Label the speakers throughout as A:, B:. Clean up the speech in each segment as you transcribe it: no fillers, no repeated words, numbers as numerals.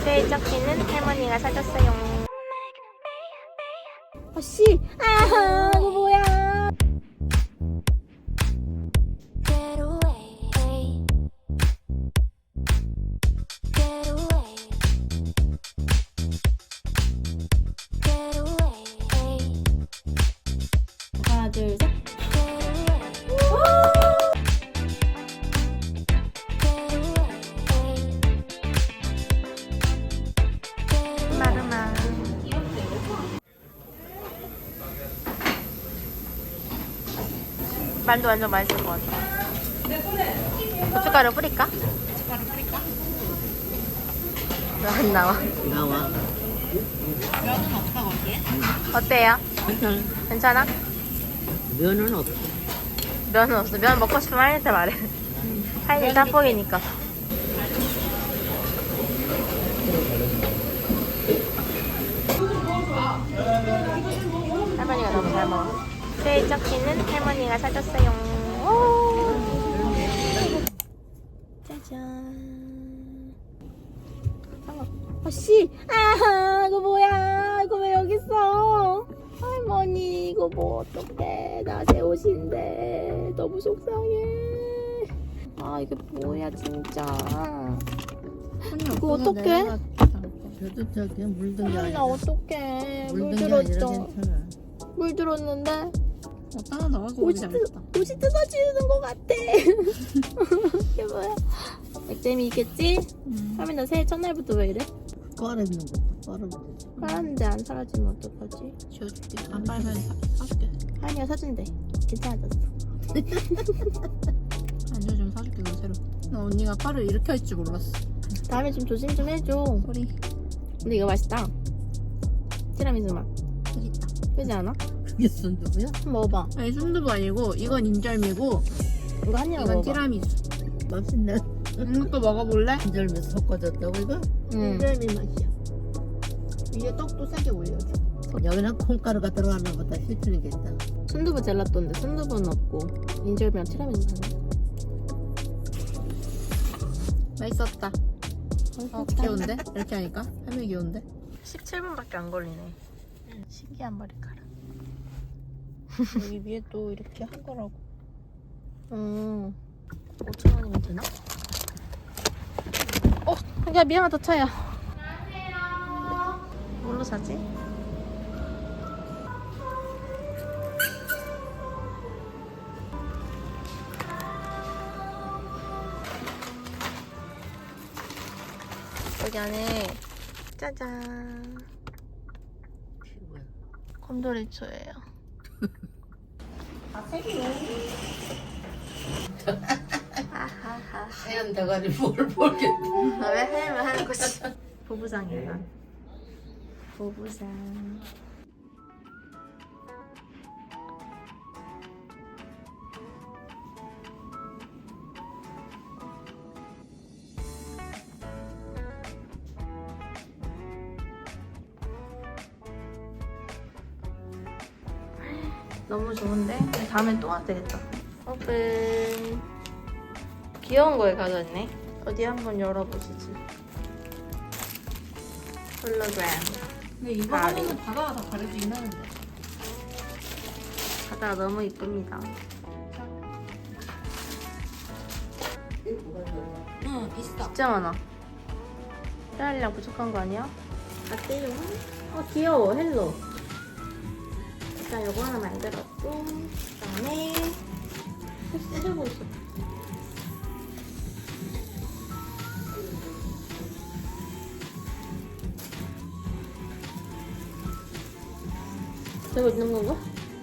A: 세적기는 할머니가 사줬어요.
B: 아씨, 이거 뭐야? 하나, 둘, 셋.
A: 마르마. 만두 완전 맛있을 것 같아. 고춧가루 뿌릴까? 왜 안 나와?
C: 나와.
B: 면은 없다고 하기에?
A: 어때요?
C: 괜찮아.
A: 괜찮아?
C: 면은 없어.
A: 면은 없어. 면 먹고 싶으면 하이한테 말해. 하이는 짬뽕이니까. 할머니가 너무 잘 먹어. 세적기는 할머니가 사줬어요. 오! 짜잔.
B: 아씨, 이거 뭐야? 이거 왜 여기 있어? 할머니, 이거 뭐 어떡해? 나 새 옷인데 너무 속상해. 이게 뭐야 진짜? 이거 어떡해?
C: 저도 저기 물든 게
B: 할머니 나
C: 아니라.
B: 어떡해? 물
C: 물든 게 아니라
B: 들었죠?
C: 괜찮아.
B: 물 들었는데
C: 따라 나가고
B: 옷이 뜯어지는 것 같아. 이게 뭐야? 액땜이 있겠지? 할머니 나 새해 첫날부터 왜 이래?
C: 빨아입는 것도 빨아입는 거.
B: 빨았는데 안 사라지면 어떡하지?
C: 지워줄게. 안 빨면 사줄게.
B: 할머니가 사준대. 괜찮아졌어.
C: 아니요, 좀 사줄게. 그럼 새로. 나 언니가 빨을 이렇게 할 줄 몰랐어.
B: 다음에 좀 조심 좀 해줘.
C: 소리.
B: 근데 이거 맛있다. 티라미수 맛.
C: 맛있다.
B: 그지 않아?
C: 그게 순두부야?
B: 한번 먹어봐.
C: 아니, 순두부 아니고 이건 인절미고
B: 이거 한 입
C: 이건
B: 먹어봐.
C: 티라미수. 맛있네. 이것도 먹어볼래? 인절미 섞어줬다고 이거?
B: 응.
C: 인절미 맛이야. 위에 떡도 세게 올려줘. 여기는 콩가루가 들어가나 보다 씹히는 게 있다.
B: 순두부 젤라또인데 순두부는 없고 인절미랑 티라미수 사네.
C: 맛있었다. 귀여운데? 이렇게 하니까? 할머니 귀여운데?
A: 17분밖에 안 걸리네. 신기한 머리카락.
C: 여기 위에 또 이렇게 한 거라고.
A: 5,000원이면 되나?
B: 야 미안하다 차야.
A: 뭘로 사지? 여기 안에 짜잔 곰돌이초예요. 아하하.
C: 하얀 대가리 뭘 모르겠네.
A: 왜 하면 하는 거지? 보부상이야. 보부상. 너무 좋은데? 다음엔 또 와도 되겠다. 오픈. 귀여운 거에 가져왔네. 어디 한번 열어보시지. 홀로그램.
C: 근데 이거
A: 가리.
C: 하면은 바다가 다 가려지긴 하는데.
A: 바다가 너무 이쁩니다.
C: 응, 있어.
A: 진짜 많아. 딸이랑 부족한 거 아니야? 어때요? 귀여워. 헬로. 일단 요거 하나 만들었고, 그 다음에 쓰고 있어. 되고 있는 건가?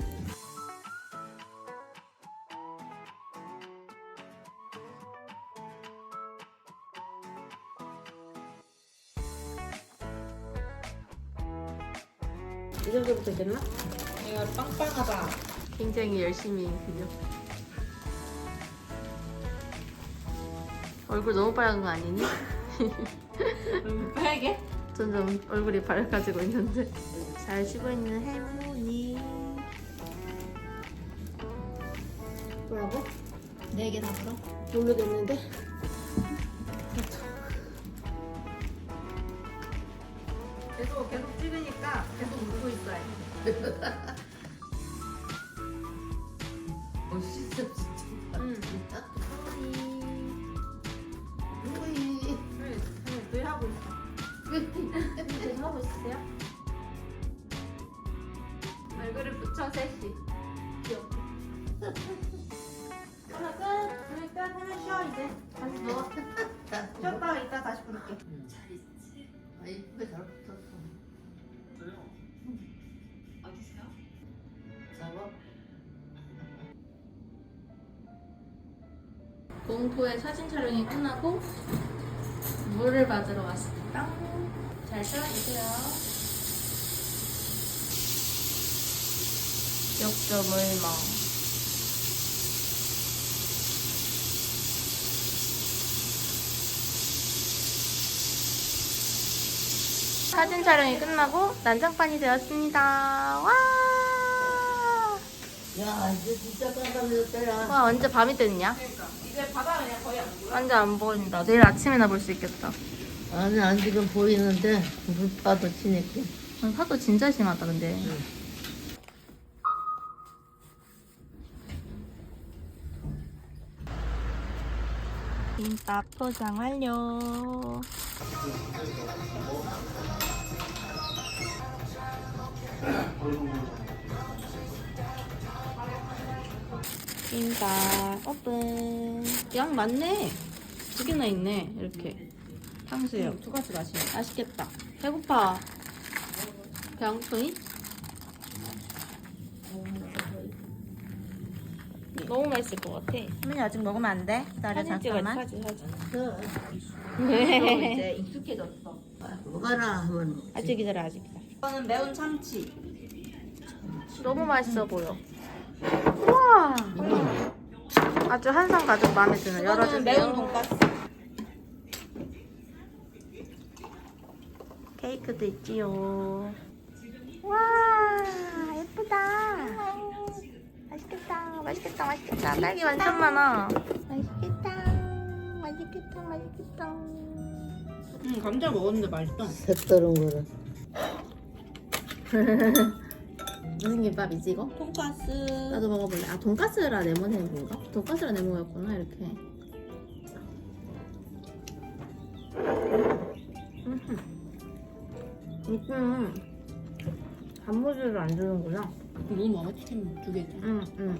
A: 이 정도부터 됐나?
C: 얘가 빵빵하다.
A: 굉장히 열심히 그려. 얼굴 너무 빨간 거 아니니?
C: 너무 빨개?
A: 점점 얼굴이 밝아지고 있는데. 잘 쉬고 있는 할머니. 뭐라고?
C: 4개 다 풀어?
A: 모르겠는데. 계속 찍으니까 계속 웃고 있어야 돼.
C: 진짜 진짜.
A: 응.
C: 우이.
A: 늘 하고 있어. 계속 하고 있으세요? 얼굴을 붙여 셋이. 귀엽게. 하나 끝. 둘 끝. 하나 쉬어 이제. 다시 누워. 쉬었다가 이따 다시 부를게.
C: 잘 있지? 아 이쁘게 잘 붙었어.
B: 어디세요?
C: 잡아.
A: 공포의 사진 촬영이 끝나고 물을 받으러 왔습니다. 잘 쉬어주세요. 역조물멍. 사진 촬영이 끝나고 난장판이 되었습니다. 와!
C: 야 이제 진짜 깜깜해졌더라.
A: 와, 언제 밤이 됐냐?
B: 이제 바다 그냥 거의 안 보여.
A: 완전 안 보인다. 내일 아침에나 볼 수 있겠다.
C: 아니 안 지금 보이는데 물파도 치니까.
A: 파도 진짜 심하다, 근데. 김밥 포장 완료. 김밥 오픈. 양 많네. 두 개나 있네. 이렇게. 탕수육.
B: 두 가지 맛이야.
A: 맛있겠다. 배고파. 배 안 고프니? 너무 맛있을 것 같아.
B: 할머니 아직 먹으면 안 돼? 기다려
A: 사진
B: 잠깐만.
A: 찍어야지, 사진.
B: 이제 익숙해졌어.
C: 먹어라 한번.
A: 아직 기다려, 아직 기다려.
B: 이거는 매운 참치.
A: 너무 맛있어 보여. 우와! 아주 한상 가득 마음에 드는
B: 이거는
A: 열어주세요.
B: 매운 돈가스.
A: 케이크도 있지요. 와, 예쁘다. 맛있겠다, 맛있겠다, 맛있겠다. 딸기 완전 많아. 맛있겠다, 맛있겠다, 맛있겠다.
B: 감자 먹었는데 맛있어.
C: 색다른 거라.
A: 무슨 김밥이지 이거?
B: 돈가스.
A: 나도 먹어볼래. 아, 돈까스라 네모네모인가? 돈까스라 네모였구나 이렇게. 단무지를 안 주는구나.
B: 너무 먹어 치킨 두 개.
A: 응.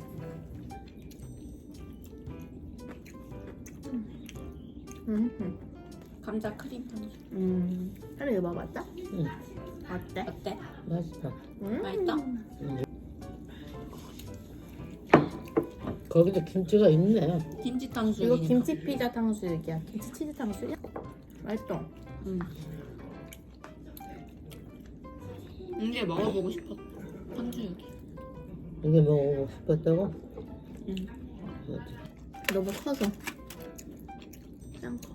B: 감자 크림 탕수육.
A: 하루 이거 먹어봤다?
C: 응.
A: 어때?
B: 어때?
C: 맛있다.
B: 맛있다?
C: 거기도 김치가 있네.
B: 김치 탕수육.
A: 이거 김치 피자 탕수육이야. 김치 치즈 탕수육? 맛있어.
B: 이게 먹어보고 싶었어. 탕수육이.
C: 이게 먹어보고 싶었다고?
B: 응.
A: 너무 커서. 짱 커.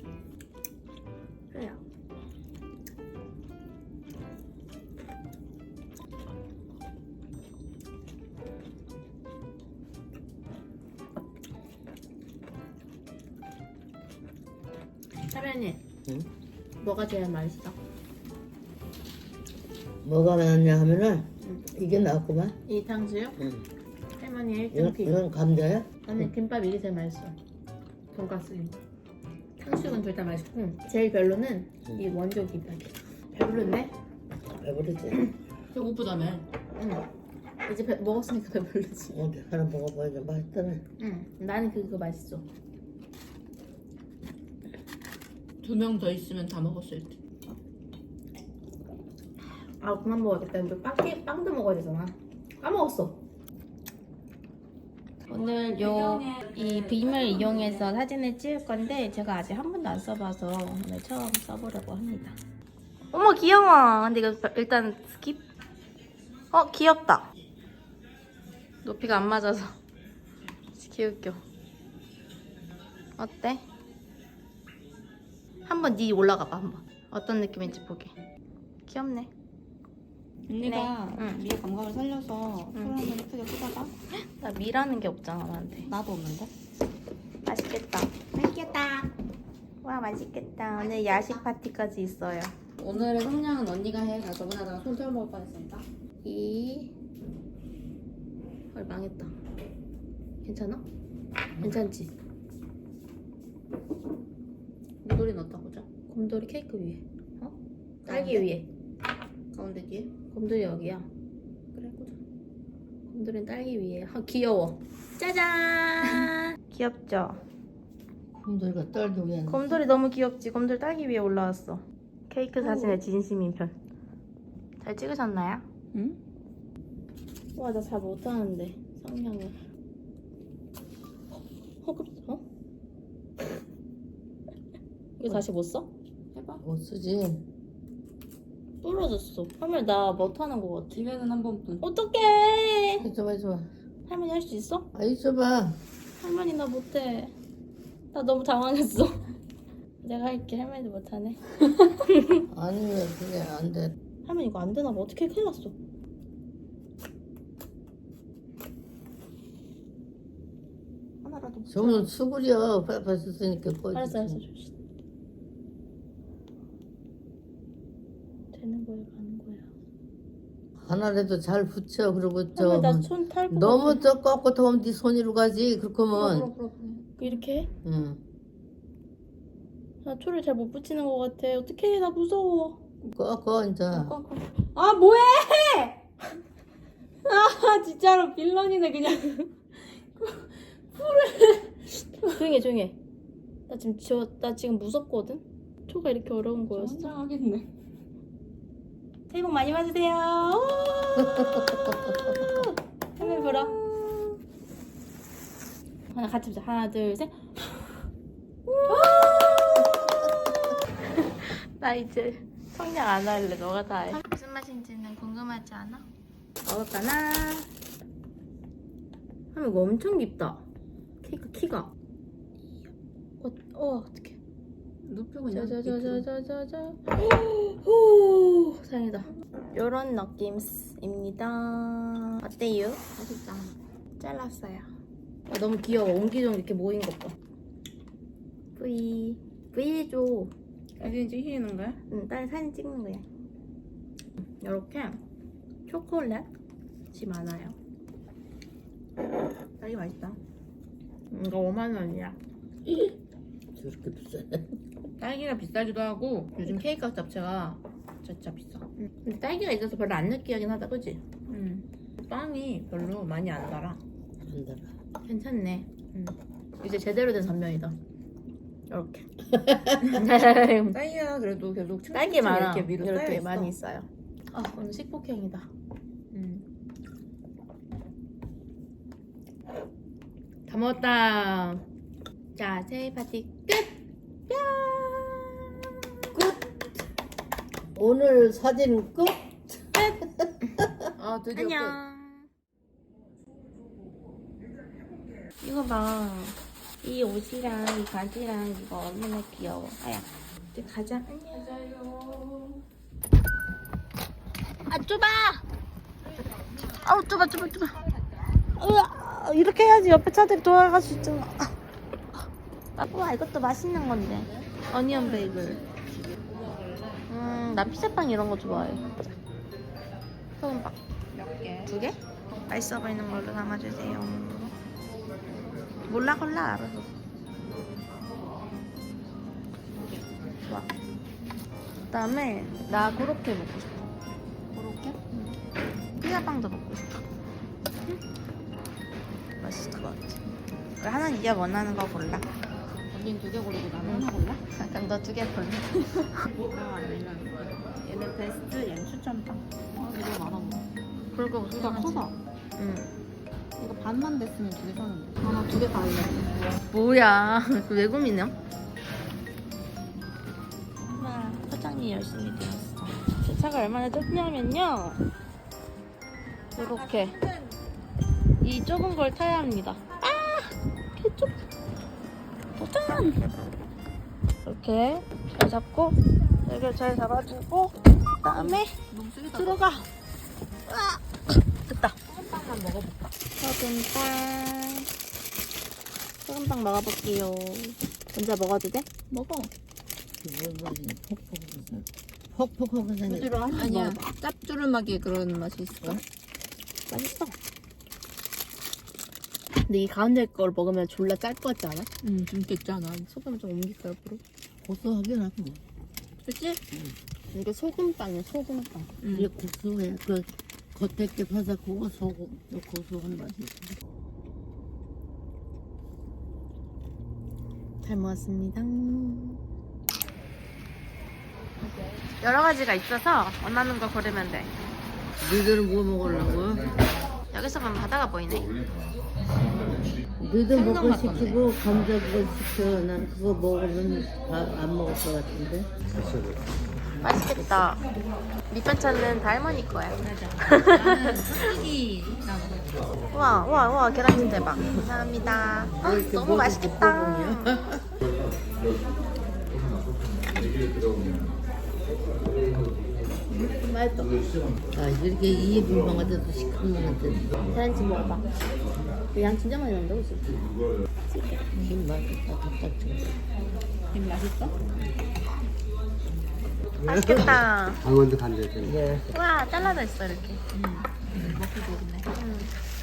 A: 그래요. 사련이
C: 응?
A: 뭐가 제일 맛있어?
C: 뭐가 나왔냐 하면은
A: 응.
C: 이게 나왔구만.
A: 이 탕수육?
C: 응.
A: 할머니 1등
C: 이건,
A: 픽.
C: 이건 감자야?
A: 아니 김밥 이게 제일 맛있어. 돈가스 김밥. 탕수육은 둘 다 맛있고 제일 별로는
C: 응.
A: 이 원조 김밥이야. 배부른데?
C: 배부르지?
B: 배고프다며.
A: 응. 이제 먹었으니까 배부르지.
C: 어디 하나 먹어봐야지 맛있다네.
A: 응. 나는 그거 맛있어.
B: 2명 더 있으면 다 먹었을 듯.
A: 아 그만 먹어야겠다. 우리 빵도 먹어야 되잖아. 까먹었어. 오늘 이 빔을 이용해서 사진을 찍을 건데 제가 아직 한 번도 안 써봐서 오늘 처음 써보려고 합니다. 어머 귀여워. 근데 이거 일단 스킵. 귀엽다. 높이가 안 맞아서 귀엽겨. 어때? 한번 네 올라가봐 한번. 어떤 느낌인지 보게. 귀엽네.
B: 언니가
A: 네. 응.
B: 미의 감각을 살려서
A: 응.
B: 소를 한번 예쁘게 쏟아봐.
A: 나 미라는 게 없잖아 나한테.
B: 나도 없는데?
A: 맛있겠다. 맛있겠다. 와 맛있겠다. 오늘 야식 파티까지 있어요. 오늘의 성냥은 언니가 해. 나 저번에 하다가 손 태워 먹을 뻔했습니다. 헐 망했다. 괜찮아? 괜찮지? 곰돌이 넣었다 보자. 곰돌이 케이크 위에. 어? 딸기 위에. 가운데 뒤에? 곰돌이 여기야. 그래 꽂아. 곰돌이는 딸기 위에. 아 귀여워. 짜잔. 귀엽죠?
C: 곰돌이가 떨기 위한.
A: 곰돌이 너무 귀엽지? 곰돌이 딸기 위에 올라왔어. 케이크 사진의 진심인 편. 잘 찍으셨나요?
B: 응?
A: 와, 나 잘 못하는데 성냥을. 어? 이거 다시 못 써? 해봐.
C: 못 쓰지.
A: 부러졌어. 할머니 나 못하는 거 같아.
B: 기회는 한 번뿐.
A: 어떡해.
C: 해줘봐, 해줘봐.
A: 할머니 할 수 있어?
C: 아, 해줘봐.
A: 할머니 나 못해. 나 너무 당황했어. 내가 할게. 할머니도 못하네.
C: 아니, 왜 그게 안 돼.
A: 할머니 이거 안 되나 봐. 어떻게 큰일 났어. 하나라도 못
C: 저는 수구려. 빨리 썼으니까 꺼지지.
A: 알았어. 되는 거야, 가는 거야.
C: 하나라도 잘 붙여. 그리고
A: 할머니 나손 탈 거
C: 너무
A: 같아.
C: 저 꺾고 하면 네 손으로 가지. 그렇게 하면.
B: 그래.
A: 이렇게 해?
C: 응.
A: 나 초를 잘 못 붙이는 거 같아. 어떡해, 나 무서워.
C: 꺾어, 이제.
A: 아, 뭐해! 아, 진짜로 빌런이네, 그냥. 조용히 해. 나 지금 무섭거든? 초가 이렇게 어려운 거였어.
B: 성장하겠네.
A: 새해 복 많이 받으세요. 할머니 불어. 하나 같이 보자. 하나, 둘, 셋. 나 이제 성냥 안 할래. 너가 다 해. 무슨 맛인지는 궁금하지 않아? 먹을까나? 할머니 이거 엄청 깊다. 케이크 키가. 어떡해.
B: 눕혀 그냥.
A: 짜자자자자자자. 오, 다행이다. 요런 느낌입니다. 어때요?
B: 맛있다.
A: 잘랐어요. 아, 너무 귀여워. 옹기종 이렇게 모인 것 봐. V 해줘.
B: 사진 찍히는 거야?
A: 응, 딸 사진 찍는 거야. 이렇게 초콜릿이 많아요. 딸기 맛있다. 이거 5만 원이야.
C: 저렇게 비싸.
B: 딸기가 비싸기도 하고 요즘 케이크 값 자체가 진짜 비싸.
A: 근데 딸기가 있어서 별로 안 느끼하긴 하다, 그치?
B: 빵이 별로 많이 안 달아.
C: 안 달아.
A: 괜찮네. 이제 제대로 된 단면이다. 이렇게.
B: 딸기가 그래도 계속
A: 딸기 많아.
B: 이렇게 위로
A: 이렇게
B: 쌓여있어.
A: 많이 있어요. 아, 오늘 식복행이다. 다 먹었다. 자, 새해 파티 끝! 뿅!
C: 오늘 사진 끝?
B: 아 드디어
A: 안녕. 이거 봐. 이 옷이랑 이 바지랑 이거 얼마나 귀여워. 아야. 이제 가자. 안녕. 아, 좁아! 아우, 좁아. 으아, 이렇게 해야지 옆에 차들이 돌아갈 수 있잖아. 우와, 이것도 맛있는 건데. 어니언 베이글. 난 피자빵 이런 거 좋아해. 소금빵.
B: 몇 개?
A: 2개? 맛있어 보이는 걸로 담아주세요. 몰라 알아서. 좋아. 그다음에 나 그렇게 먹고 싶어.
B: 그렇게?
A: 피자빵도 먹고 싶어. 맛있을 것 같아. 우리 하나는 네가 원하는 거 골라.
B: 언니는 2개 고르고 나는 하나 골라?
A: 그럼 너 2개 골라.
B: 아니면 얘는 베스트, 얘는 추천빵. 아 이거 많아 보여.
A: 그럴 거
B: 둘 다 커서.
A: 응.
B: 이거 반만 됐으면 2개 사는데. 하나 2개 다 알려.
A: 뭐야? 왜 고민해? 엄마, 포장이 열심히 되었어. 제 차가 얼마나 좁냐면요. 이렇게 이 좁은 걸 타야 합니다. 아! 개좁. 도전! 이렇게 잘 잡고 여기를 잘 잡아주고 그다음에 들어가. 아! 됐다.
B: 소금빵만 먹어볼까?
A: 소금빵 먹어볼게요. 먼저 먹어도 돼?
B: 먹어.
C: 그걸 퍽퍽 퍽퍽하고 생겼어.
B: 부드러워.
D: 아니야. 짭조름하게 그런 맛이 있어.
A: 맛있어. 근데 이 가운데 걸 먹으면 졸라 짤 것 같지 않아?
D: 좀 됐잖아. 소금 좀 옮길까 옆으로?
C: 고소하긴 하고.
A: 그치? 이게 소금빵이야, 소금빵.
C: 이게 고소해. 그 겉에 게 바삭하고 속은 고소한 맛이 있어.
A: 잘 먹었습니다. 여러 가지가 있어서 원하는 거 고르면 돼.
C: 너희들은 뭐 먹으려고?
A: 여기서 보면 바다가 보이네.
C: 너희들 먹고 시키고 감자 그거 시켜. 난 그거 먹으면 안 먹을 것 같은데.
A: 맛있겠다. 밑반찬은 다 할머니 거야.
D: 이
A: 우와, 우와, 우와, 계란찜 대박. 감사합니다. 너무 맛있겠다.
C: 맛있어. 아, 이렇게 이에 불멍한데도 시커먼한데.
A: 계란찜 먹어봐. 양 진짜 많이 나온다고 진짜.
C: 힘 맛있다. 답답해.
D: 김 맛있어?
A: 맛있겠다.
E: 강원도 간대잖아.
C: 네.
A: 우와, 잘라져 있어 이렇게.
D: 먹기 좋네.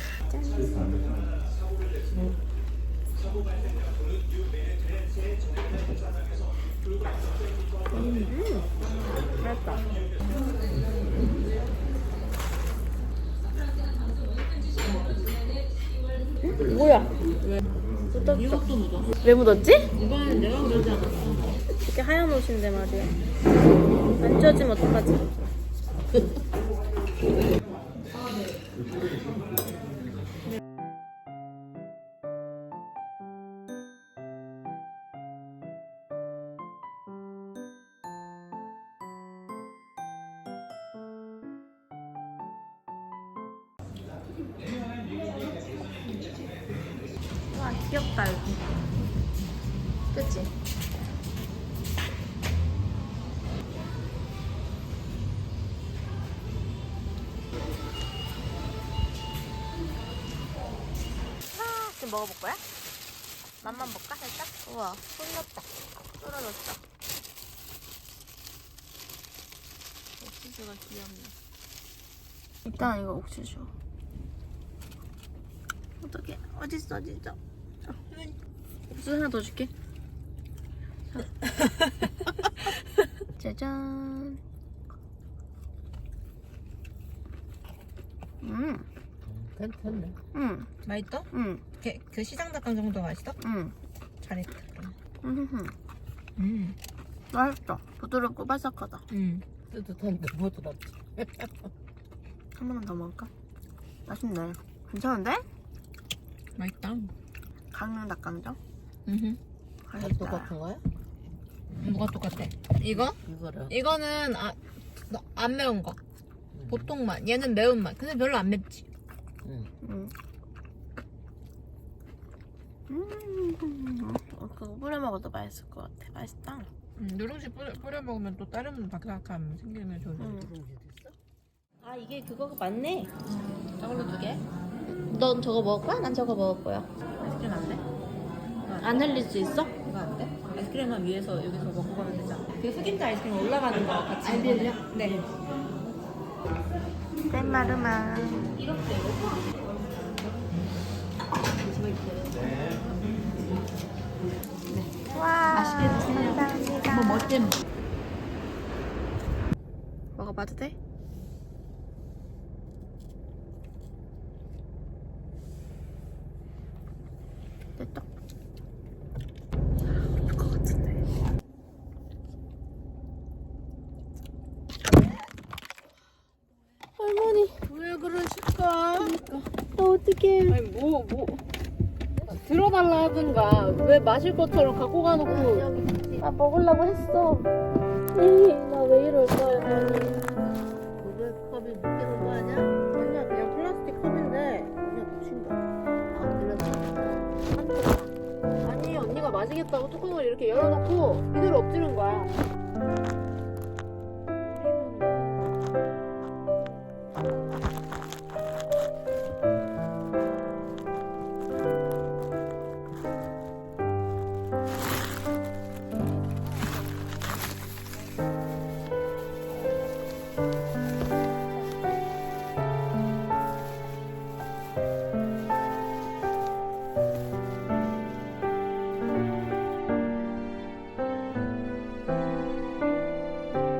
A: 맛있다. 뭐야? 왜?
D: 이것도 묻어.
A: 왜 묻었지?
D: 이거는 내가 그러지 않았어.
A: 이렇게 하얀 옷인데 말이야. 안 쪄지면 어떡하지? 와, 귀엽다 여기. 그치? 지금 먹어볼 거야? 맛만 볼까 살짝? 우와, 쏠렸다. 쏠아졌다.
D: 옥수수가 귀엽네.
A: 일단 이거 옥수수. 어떡해. 어딨어, 진짜. 옥수수 하나 더 줄게. 자. 짜잔.
C: 괜찮네.
D: 맛있어?
A: 응.
D: 그 시장 닭강 정도 맛있어?
A: 응.
D: 잘했다. 그럼.
A: 맛있다. 부드럽고 바삭하다.
C: 뜨뜻한데 부드럽지.
A: 한 번만 더 먹을까? 맛있네. 괜찮은데?
D: 맛있다.
A: 강릉 닭강정?
C: 다 똑같은 거야?
D: 뭐가 똑같아? 이거?
C: 이거랑.
D: 이거는 안 매운 거. 보통 맛. 얘는 매운 맛. 근데 별로 안 맵지.
A: 그거 뿌려 먹어도 맛있을 것 같아. 맛있다.
D: 누룽지 뿌려 먹으면 또 다른 바삭함 생기면 좋은데.
A: 아, 이게 그거가 맞네. 저걸로 2개. 넌 저거 먹을 거야? 난 저거 먹을 거야.
D: 아이스크림 안 돼?
A: 안 흘릴 수 있어?
D: 이거 안 돼? 아이스크림만 위에서 여기서 먹고 가면 되잖아. 그 흑임자 아이스크림 올라가는 거 같이. 안 빌려? 네.
A: 땡마르마. 와, 맛있게 드세요. 감사합니다.
D: 멋짐.
A: 먹어봐도 돼? 됐다. 될 것 같은데. 할머니,
D: 왜 그러실까?
A: 어떡해.
D: 아니 뭐 들어달라 하든가 왜 마실 것처럼 갖고 가놓고.
A: 아, 먹으려고 했어. 나 왜 이럴까, 할머니.
C: 그걸 컵이 묶이는 거 아니야?
A: 아니야, 그냥 플라스틱 컵인데 그냥 붙인 거야.
C: 아, 그래서
D: 아니 언니가 마시겠다고 뚜껑을 이렇게 열어놓고 이대로 엎지른 거야.
A: 돼.